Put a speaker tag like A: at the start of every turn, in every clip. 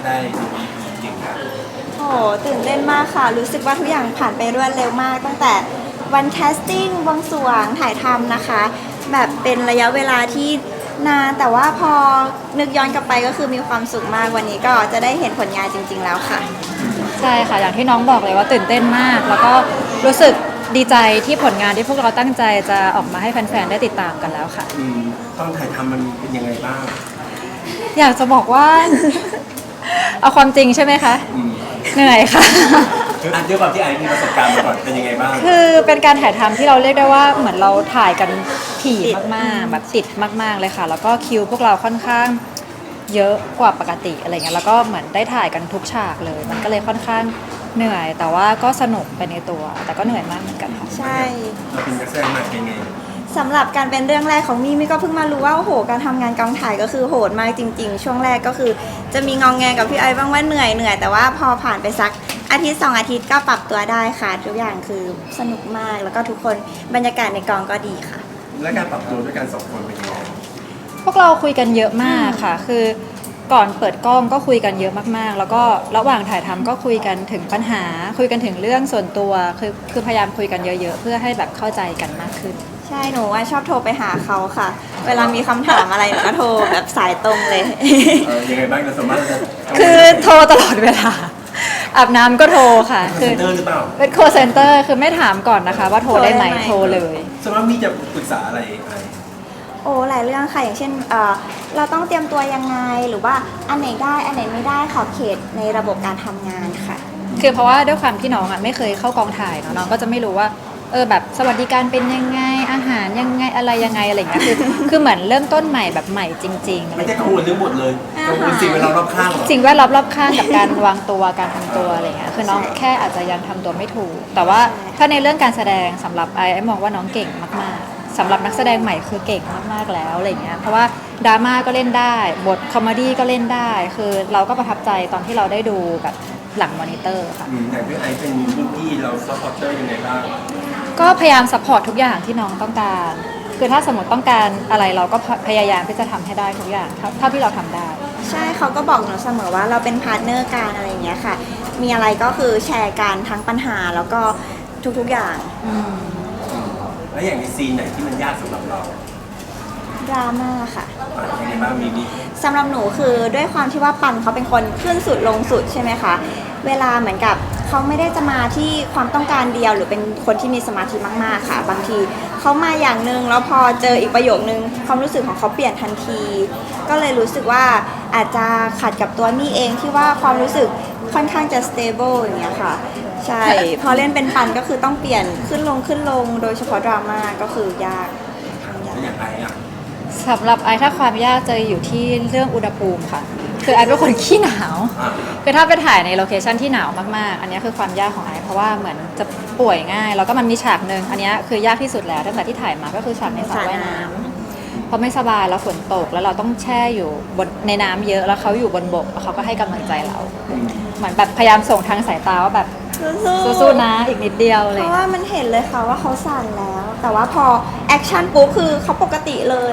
A: ได้ดูดีจริงครับ
B: โอ้ตื่นเต้นมากค่ะรู้สึกว่าทุกอย่างผ่านไปรวดเร็วมากตั้งแต่วันแคสติ้งบวงสรวงถ่ายทำนะคะแบบเป็นระยะเวลาที่นานแต่ว่าพอนึกย้อนกลับไปก็คือมีความสุขมากวันนี้ก็จะได้เห็นผลงานจริงๆแล้วค่ะ
C: ใช่ค่ะอย่างที่น้องบอกเลยว่าตื่นเต้นมากแล้วก็รู้สึกดีใจที่ผลงานที่พวกเราตั้งใจจะออกมาให้แฟนๆได้ติดตามกันแล้วค่ะ
A: ต้องถ่ายทำมันเป็นยังไงบ้าง
C: อยากจะบอกว่า เอาความจริงใช่ไหมคะเหนื่อยค่ะ
A: คือด้วยความที่ไอมีประสบการณ์มาก่อนเป็นยังไงบ้าง
C: คือเป็นการถ่ายทำที่เราเรียกได้ว่าเหมือนเราถ่ายกันถี่มากๆแบบติดมากๆเลยค่ะแล้วก็คิวพวกเราค่อนข้างเยอะกว่าปกติอะไรเงี้ยแล้วก็เหมือนได้ถ่ายกันทุกฉากเลยมันก็เลยค่อนข้างเหนื่อยแต่ว่าก็สนุกไปในตัวแต่ก็เหนื่อยมากเหมือนกันค่ะ
B: ใช่
A: เราเป็นนักแสดงใหม่เป็นไง
B: สำหรับการเป็นเรื่องแรกของมี่ก็เพิ่งมารู้ว่าโอ้โหการทำงานกองถ่ายก็คือโหดมากจริงๆช่วงแรกก็คือจะมีงองแงกับพี่ไอบ้างว่าเหนื่อยแต่ว่าพอผ่านไปสักอาทิตย์2อาทิตย์ก็ปรับตัวได้ค่ะทุกอย่างคือสนุกมากแล้วก็ทุกคนบรรยากาศในกองก็ดีค่ะ
A: และการปรับตัวด้วยกัน2 คนเป็นยังไง
C: พวกเราคุยกันเยอะมากค่ะคือก่อนเปิดกล้องก็คุยกันเยอะมากๆแล้วก็ระหว่างถ่ายทำก็คุยกันถึงปัญหาคุยกันถึงเรื่องส่วนตัวคือพยายามคุยกันเยอะๆเพื่อให้แบบเข้าใจกันมากขึ้น
B: ใช่หนูว่าชอบโทรไปหาเขาค่ะเวลามีคำถามอะไรหนูก็โทรแบบสายตรงเลย
A: ยังไงบ้างเราสามารถจะ
C: คือโทรตลอดเวลาอาบน้ำก็โทรค่ะ
A: คือหรือเปล่า
C: เป็นโคเซ็นเตอร์คือไม่ถามก่อนนะคะว่าโทรได้ไหมโทรเลย
A: สมมติมีจะปรึกษาอะไร
B: โอ้หลายเรื่องค่ะอย่างเช่นเราต้องเตรียมตัวยังไงหรือว่าอันไหนได้อันไหนไม่ได้ขอบเขตในระบบการทำงานค่ะ
C: คือเพราะว่าด้วยความที่น้องไม่เคยเข้ากองถ่ายเนาะน้องก็จะไม่รู้ว่าแบบสวัสดิการเป็นยังไงอาหารยังไงอะไรยังไงอะไรอย่างเงี้ยคือเหมือนเริ่มต้นใหม่แบบใหม่จริงๆ
A: ไม่ได้กังวลเรื่องหมดเลยกังวลสิ่งแวดล้อมรอบข้าง
C: สิ่งแวดล้อมรอบข้างกับการวางตัวการทำตัวอะไรเงี้ยคือน้องแค่อาจจะยังทำตัวไม่ถูกแต่ว่าถ้าในเรื่องการแสดงสำหรับไอ้มองว่าน้องเก่งมากๆสำหรับนักแสดงใหม่คือเก่งมากๆแล้วอะไรเงี้ยเพราะว่าดราม่าก็เล่นได้บทคอมเมดี้ก็เล่นได้คือเราก็ประทับใจตอนที่เราได้ดูแบบหลังมอนิเตอร์ค่ะ
A: แต่พี่ไอเป็นรุ่นพี่เราซัพพอร์ตเตอร์ยังไงบ้าง
C: ก็พยายามซัพพอร์ตทุกอย่างที่น้องต้องการคือถ้าสมมติต้องการอะไรเราก็พยายามที่จะทำให้ได้ทุกอย่างเท่าที่เราทำได้
B: ใช่เขาก็บอกหนูเสมอว่าเราเป็นพาร์ทเนอร์กันอะไรอย่างเงี้ยค่ะมีอะไรก็คือแชร์กันทั้งปัญหาแล้วก็ทุกๆอย่าง
A: แล้วอย่างในซีนไหนที่มันยากสำหรับเรา
B: ดราม่าค่ะ
A: ยังไงบ้างมี
B: สำหรับหนูคือด้วยความที่ว่าปันเขาเป็นคนขึ้นสุดลงสุดใช่ไหมคะเวลาเหมือนกับเขาไม่ได้จะมาที่ความต้องการเดียวหรือเป็นคนที่มีสมาธิมากๆค่ะบางทีเขามาอย่างนึงแล้วพอเจออีกประโยคนึงความรู้สึกของเขาเปลี่ยนทันทีก็เลยรู้สึกว่าอาจจะขัดกับตัวมี่เองที่ว่าความรู้สึกค่อนข้างจะ stable อย่างเงี้ยค่ะใช่พอเล่นเป็นปันก็คือต้องเปลี่ยนขึ้นลงโดยเฉพาะดราม่าก็คือยาก
A: อย่างไร
C: สำหรับไอถ้าความยากจะอยู่ที่เรื่องอุณหภูมิค่ะคือไอเป็นคนขี้หนาวคือถ้าไปถ่ายในโลเคชั่นที่หนาวมากๆอันนี้คือความยากของไอเพราะว่าเหมือนจะป่วยง่ายแล้วก็มันมีฉากนึงอันนี้คือยากที่สุดแล้วตั้งแต่ที่ถ่ายมาก็คือฉากในสระว่ายน้ำเพราะไม่สบายแล้วฝนตกแล้วเราต้องแช่อยู่บนในน้ำเยอะแล้วเขาอยู่บนบกแล้วเขาก็ให้กำลังใจเราเหมือนแบบพยายามส่งทางสายตาว่าแบบสู้ๆนะอีกนิดเดียวเลย
B: เพราะว่ามันเห็นเลยค่ะว่าเขาสั่นแล้วแต่ว่าพอแอคชั่นปุ๊บคือเขาปกติเลย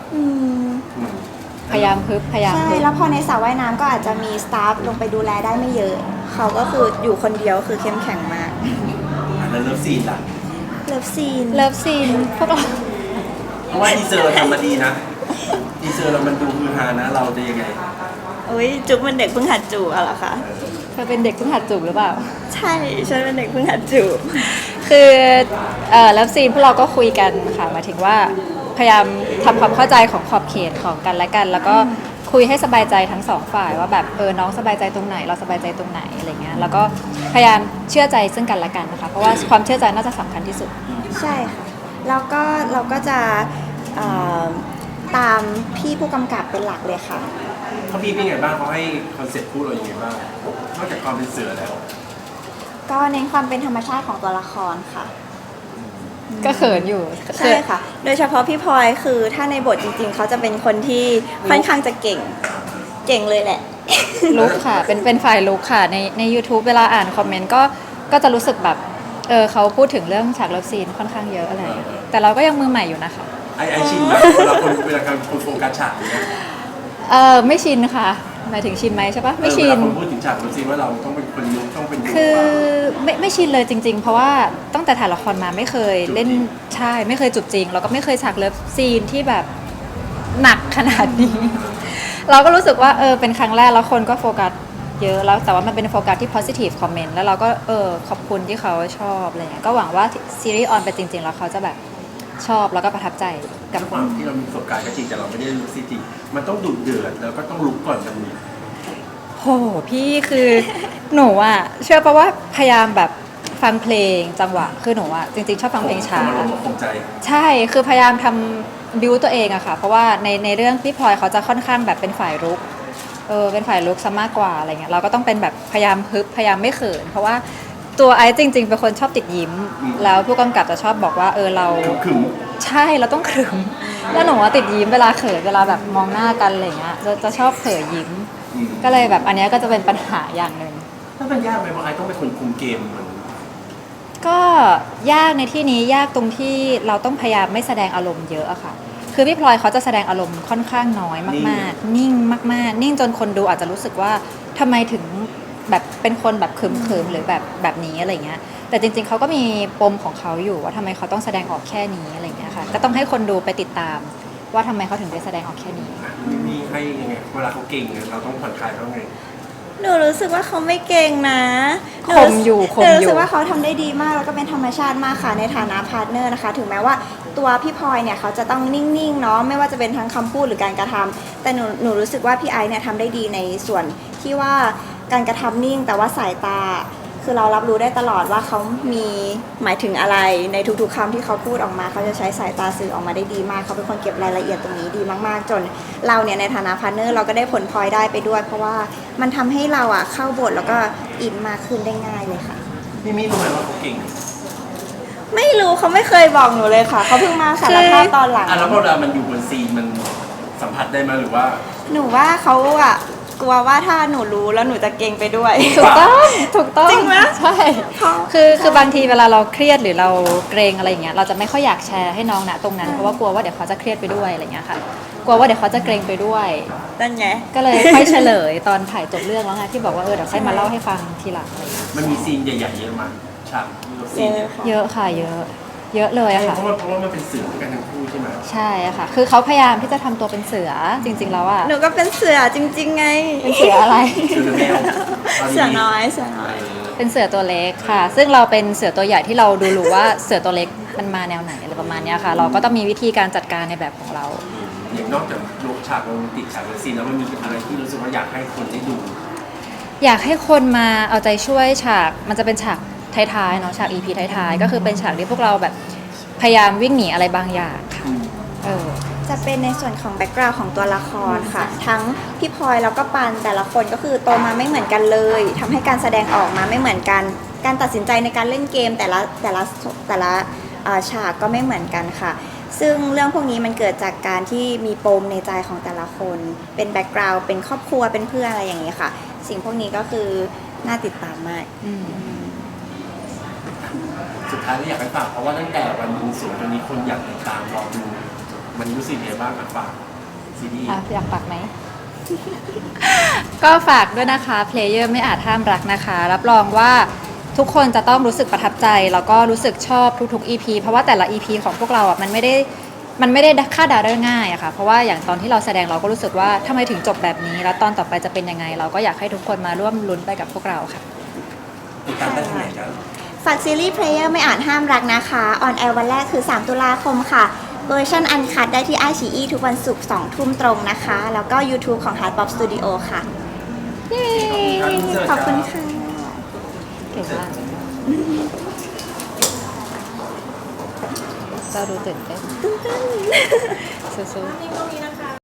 C: พยายามพยายาม
B: ใช่แล้วพอในสระว่ายน้ำก็อาจจะมีสตาฟลงไปดูแลได้ไม่เยอะเขาก็คืออยู่คนเดียวคือเข้มแข็งมาก
A: แล้วเลิฟซีนล่ะ
B: เลิฟซีน
C: พวกเรา
A: เพราะว่าทีเซอร์ทำมาดีนะทีเซอร์เรามันดูฮือฮานะเราจะยังไง
B: จุ๊บเป็นเด็กเพิ่งหัดจูบเหรอคะ
C: เธอเป็นเด็กเพิ่งหัดจูบหรือเปล่า
B: ใช่ฉันเป็นเด็กเพิ่งหัดจูบ
C: คือเลิฟซีนพวกเราก็คุยกันค่ะหมายถึงว่าพยายามทำความเข้าใจของขอบเขตของกันและกันแล้วก็คุยให้สบายใจทั้งสองฝ่ายว่าแบบน้องสบายใจตรงไหนเราสบายใจตรงไหนอะไรเงี้ยแล้วก็พยายามเชื่อใจซึ่งกันและกันนะคะเพราะว่าความเชื่อใจน่าจะสำคัญที่สุด
B: ใช่ค่ะแล้วก็เราก็จะตามพี่ผู้กำกับเป็นหลักเลยค่ะ
A: เขาพี่เป็นไงบ้างเขาให้คอนเซ็ปต์พูดเราอย่างไงบ้างนอกจากความเป็นเสือแล้ว
B: ก็เน้นความเป็นธรรมชาติของตัวละครค่ะ
C: ก็เขินอยู่
B: ใช่ค่ะโดยเฉพาะพี่พลอยคือถ้าในบทจริงๆเขาจะเป็นคนที่ค่อนข้างจะเก่งเลยแหละ
C: ลุกค่ะเป็นฝ่ายลุกค่ะใน YouTube เวลาอ่านคอมเมนต์ก็จะรู้สึกแบบเขาพูดถึงเรื่องฉากเลิฟซีนค่อนข้างเยอะอะไรแต่เราก็ยังมือใหม่อยู่นะคะ
A: ไอชินแบบเวลาคนโฟกัสฉากเนี่ย
C: ไม่ชินค่ะหมายถึงชินไหมใช่ปะไม่
A: เว
C: ชิ
A: ลาน คนพูดถึงฉากรู้สิว่าเราต้องเป็นคนยุคต้องเป็นยุค
C: คือไม่ชินเลยจริง ๆ เพราะว่าตั้งแต่ถ่ายละครมาไม่เคยเล่นใช่ไม่เคยจูบจริงแล้วก็ไม่เคยฉากเลิฟซีนที่แบบหนักขนาดนี้ เราก็รู้สึกว่าเป็นครั้งแรกแล้วคนก็โฟกัสเยอะแล้วแต่ว่ามันเป็นโฟกัสที่ positive comment แล้วเราก็ขอบคุณที่เขาชอบอะไรเงี้ยก็หวังว่าซีรีส์ออนไปจริง ๆ แล้วเขาจะแบบชอบแล้วก็ประทับใจกับ
A: ด้วยความที่เรามีประสบการณ์ก็จริงแต่เราไม่ได้ลุกซีจริงมันต้องดุเดือดแล้วก็ต้องลุกก่อนจะมี
C: โหพี่คือหนูอะเชื่อปะว่าพยายามแบบฟังเพลงจังหวะคือหนูอะจริงๆชอบฟังเพลงช้า
A: ผมอารมณ์คงใจ
C: ใช่คือพยายามทำบิวตัวเองอะค่ะเพราะว่าในเรื่องพี่พลอยเขาจะค่อนข้างแบบเป็นฝ่ายรุกเป็นฝ่ายรุกซะมากกว่าอะไรเงี้ยเราก็ต้องเป็นแบบพยายามฮึบพยายามไม่เขินเพราะว่าตัวไอซ์จริง ๆ เป็นคนชอบติดยิ้ม แล้วผู้กำกับจะชอบบอกว่าเรา
A: ขึง
C: ใช่เราต้องขรึมแล้วหนูว่าติดยิ้มเวลาเขินเวลาแบบมองหน้ากันอะไรเงี้ยจะชอบเผยยิ้ม ก็เลยแบบอันเนี้ยก็จะเป็นปัญหาอย่างหนึ่ง
A: ถ้ามันยากไหมว่าไอ้ต้องเป็นคนคุมเกมเหมือน
C: ก็ยากในที่นี้ยากตรงที่เราต้องพยายามไม่แสดงอารมณ์เยอะอะค่ะ คือพี่พลอยเขาจะแสดงอารมณ์ค่อนข้างน้อยมากๆ นิ่งมากๆ นิ่งจนคนดูอาจจะรู้สึกว่าทำไมถึงแบบเป็นคนแบบเขิมๆหรือแบบนี้อะไรเงี้ย แต่จริงๆเขาก็มีปมของเขาอยู่ว่าทำไมเขาต้องแสดงออกแค่นี้อะไรเงี้ยค่ะ ก็ต้องให้คนดูไปติดตามว่าทำไมเขาถึงได้แสดงออกแค่นี้
A: มีให้ยังไงเวลาเขาเก่งเนี่ยเราต้องผ่อนคลายเขาไง
B: หนูรู้สึกว่าเขาไม่เก่งนะ
C: คมอยู่
B: หนูรู้สึกว่าเขาทำได้ดีมากแล้วก็เป็นธรรมชาติมากค่ะในฐานะพาร์ทเนอร์นะคะ ถึงแม้ว่าตัวพี่พลอยเนี่ยเขาจะต้องนิ่งๆเนาะไม่ว่าจะเป็นทั้งคำพูดหรือการกระทำแต่หนูรู้สึกว่าพี่ไอซ์เนี่ยทำได้ดีในส่วนที่ว่าการกระทำนิ่งแต่ว่าสายตา คือเรารับรู้ได้ตลอดว่าเขามีหมายถึงอะไรในทุกๆคำที่เขาพูดออกมาเขาจะใช้สายตาสื่อออกมาได้ดีมากเขาเป็นคนเก็บรายละเอียดตรงนี้ดีมากๆ จนเราเนี่ยในฐานะพาร์ทเนอร์เราก็ได้ผลพลอยได้ไปด้วย เพราะว่ามันทำให้เราอ่ะเข้าบทแล้วก็อินมากขึ้นได้ง่ายเลยค่ะ
A: พี่มี่รู้ไหมว่าเขาเก่ง
B: ไม่รู้เขาไม่เคยบอกหนูเลยค่ะเขาเพิ่งมาสารภาพตอนหลัง
A: แล้วพอเรามันอยู่บนซีนมันสัมผัสได้ไหมหรือว่า
B: หนูว่าเขาอ่ะกลัวว่าถ้าหนูรู้แล้วหนูจะเก่งไปด้วย
C: ถูกต้อง
B: จริงไหม
C: ใช่คือบางทีเวลาเราเครียดหรือเราเกรงอะไรอย่างเงี้ยเราจะไม่ค่อยอยากแชร์ให้น้องนะตรงนั้นเพราะว่ากลัวว่าเดี๋ยวเขาจะเครียดไปด้วยอะไรเงี้ยค่ะกลัวว่าเดี๋ยวเขาจะเกรงไปด้วย
B: นั่นไง
C: ก็เลยค่อยเฉลยตอนถ่ายจบเรื่องแล้วไงที่บอกว่าเดี๋ยวค่อยมาเล่าให้ฟังทีหลังอะไรเงี้ย
A: มันมีซีนใหญ่ๆเยอะมากฉากซีนเนี่ย
C: เยอะค่ะเยอะเลยอะค่ะ
A: เพราะว่ามันเป็นสื่อกันทั้งคู่ใช่ไหม
C: ใช่อะค่ะ คือเขาพยายามที่จะทำตัวเป็นเสือจริง ๆ แล้วอะ
B: หนูก็เป็นเสือจริง ๆ ไง
C: เป็นเสืออะไร
A: คือแมว
B: เสือน้อยเสือน้อย
C: เป็นเสือตัวเล็กค่ะ ซึ่งเราเป็นเสือตัวใหญ่ที่เราดูรู้ว่าเสือตัวเล็กมันมาแนวไหนอะไรประมาณเนี้ยค่ะ เราก็ต้องมีวิธีการจัดการในแบบของเรา
A: อย่างนอกจากลกฉากโรแมนติกฉากซีนแล้วมันมีอะไรที่รู้สึกว่าอยากให้คนได้ดู
C: อยากให้คนมาเอาใจช่วยฉากมันจะเป็นฉากท้ายๆเนาะฉาก EP ท้ายๆก็คือเป็นฉากที่พวกเราแบบพยายามวิ่งหนีอะไรบางอย่างค่ะ
B: จะเป็นในส่วนของแบ็กกราวด์ของตัวละครค่ะ ทั้งพี่พลอยแล้วก็ปันแต่ละคนก็คือโตมาไม่เหมือนกันเลยทำให้การแสดงออกมาไม่เหมือนกัน การตัดสินใจในการเล่นเกมแต่ละฉากก็ไม่เหมือนกันค่ะ ซึ่งเรื่องพวกนี้มันเกิดจากการที่มีปมในใจของแต่ละคน เป็นแบ็กกราวด์เป็นครอบครัวเป็นเพื่อนอะไรอย่างนี้ค่ะ สิ่งพวกนี้ก็คือน่าติดตามมาก
A: สุดท้ายแล้วอยากให้ฝากเพราะว่าตั้งแต่วันบวงสรวงจนนี้คนอยากติดตามรอดูมันรู้สึกยังไงบ้างอ่ะฝากซีรีส์
C: อยากฝากไหม ก็ฝากด้วยนะคะ Player ไม่อาจห้ามรักนะคะ รับรองว่าทุกคนจะต้องรู้สึกประทับใจ แล้วก็รู้สึกชอบทุกๆ EP เพราะว่าแต่ละ EP ของพวกเราอ่ะมันไม่ได้คาดเดาได้ง่ายอะค่ะ เพราะว่าอย่างตอนที่เราแสดงเราก็รู้สึกว่าทำไมถึงจบแบบนี้ แล้วตอนต่อไปจะเป็นยังไง เราก็อยากให้ทุกคนมาร่วมลุ้นไปกับพวกเราค่ะ
A: ติดตามได้ที่ไหนครับ
B: ฝากซีรีส์ Player ไม่อาจห้ามรักนะคะออนแอร์วันแรกคือ 3 ตุลาคมค่ะเวอร์ชันอันคัดได้ที่ iQIYI ทุกวันศุกร์ 2 ทุ่มตรงนะคะ แล้วก็ YouTube ของ Hard Pop Studio ค่ะ
C: เย้
B: ขอบคุณค่ะ
C: เก่งมากเราดูตื่นเต้นสู้ๆ